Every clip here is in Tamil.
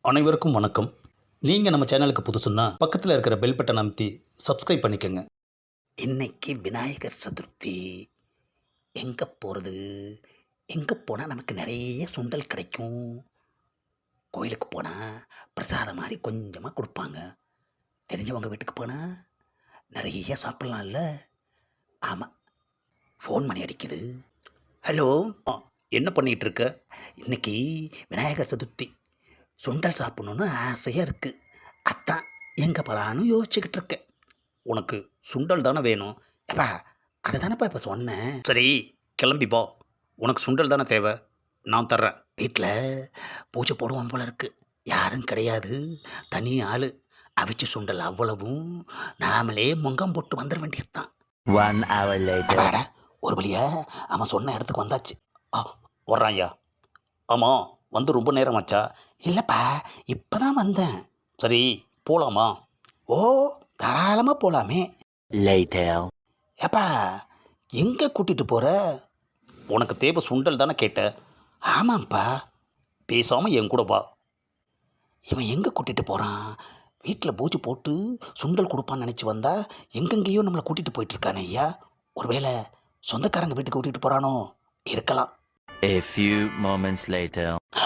அனைவருக்கும் வணக்கம். நீங்கள் நம்ம சேனலுக்கு புதுசுன்னா பக்கத்தில் இருக்கிற பெல் பட்டன் அமைத்தி சப்ஸ்கிரைப் பண்ணிக்கோங்க. இன்னைக்கு விநாயகர் சதுர்த்தி. எங்கே போகிறது? எங்கே போனால் நமக்கு நிறைய சுண்டல் கிடைக்கும்? கோயிலுக்கு போனால் பிரசாதம் மாதிரி கொஞ்சமாக கொடுப்பாங்க. தெரிஞ்சவங்க வீட்டுக்கு போனால் நிறைய சாப்பிட்லாம்ல. ஆமாம், ஃபோன் மணி அடிக்குது. ஹலோ, என்ன பண்ணிகிட்டு இருக்க? இன்னைக்கு விநாயகர் சதுர்த்தி, சுண்டல் சாப்பிட்ணுன்னு ஆசையாக இருக்குது. அதான் எங்கே போகலான்னு யோசிச்சுக்கிட்டு இருக்கேன். உனக்கு சுண்டல் தானே வேணும்? ஏப்பா, அதை தானேப்பா இப்போ சொன்னேன். சரி, கிளம்பி போ. உனக்கு சுண்டல் தானே தேவை, நான் தர்றேன். வீட்டில் பூஜை போடுவோம் போல இருக்கு. யாரும் கிடையாது, தனி ஆள். அவிச்சு சுண்டல் அவ்வளவும் நாமளே முங்கம் போட்டு வந்துட வேண்டியதுதான். 1 hour later. அப்பாடா, ஒரு வழியா அவன் சொன்ன இடத்துக்கு வந்தாச்சு. வர்றான் ஐயா. ஆமாம், வந்து ரொம்ப நேரம் ஆச்சா? இல்லைப்பா, இப்போ தான் வந்தேன். சரி, போகலாமா? ஓ, தாராளமாக போகலாமே. Later. ஏப்பா, எங்கே கூட்டிகிட்டு போகிற? உனக்கு தேவை சுண்டல் தானே கேட்ட? ஆமாம்ப்பா. பேசாமல் என் கூட வா. இவன் எங்கே கூட்டிகிட்டு போகிறான்? வீட்டில் பூஜை போட்டு சுண்டல் கொடுப்பான்னு நினச்சி வந்தா எங்கெங்கேயோ நம்மளை கூட்டிகிட்டு போயிட்டுருக்கானே ஐயா. ஒருவேளை சொந்தக்காரங்க வீட்டுக்கு கூட்டிகிட்டு போகிறானோ? இருக்கலாம். A few moments later.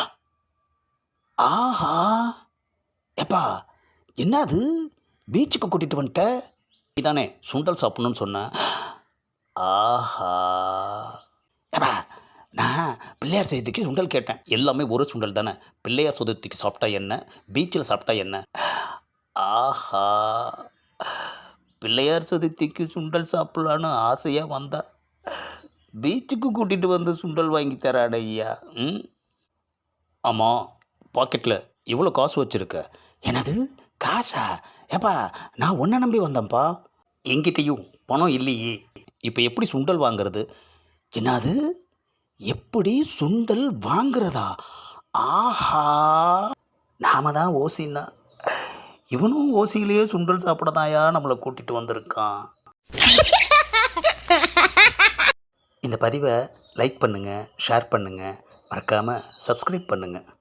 ஆஹா, ஏப்பா, என்னது பீச்சுக்கு கூட்டிகிட்டு வந்துட்ட? நீதானே சுண்டல் சாப்பிட்ணுன்னு சொன்ன. ஆஹா, ஏப்பா, நான் பிள்ளையார் சதுர்த்திக்கு சுண்டல் கேட்டேன். எல்லாமே ஒரு சுண்டல் தானே. பிள்ளையார் சதுர்த்திக்கு சாப்பிட்டா என்ன, பீச்சில் சாப்பிட்டா என்ன? ஆஹா, பிள்ளையார் சதுர்த்திக்கு சுண்டல் சாப்பிட்லான்னு ஆசையாக வந்தா பீச்சுக்கு கூட்டிகிட்டு வந்து சுண்டல் வாங்கி தராட ஐயா. ஆமாம், பாக்கெட்டில் இவ்வளோ காசு வச்சுருக்க. எனது காசா? ஏப்பா, நான் உன்னை நம்பி வந்தேன்ப்பா. எங்கிட்டையும் பணம் இல்லையே. இப்போ எப்படி சுண்டல் வாங்கிறது? என்னது, எப்படி சுண்டல் வாங்குறதா? ஆஹா, நாம தான் ஓசின்னா இவனும் ஓசியிலேயே சுண்டல் சாப்பிடதாயா நம்மளை கூட்டிகிட்டு வந்திருக்கான். இந்த பதிவை லைக் பண்ணுங்கள், ஷேர் பண்ணுங்கள், மறக்காமல் சப்ஸ்கிரைப் பண்ணுங்கள்.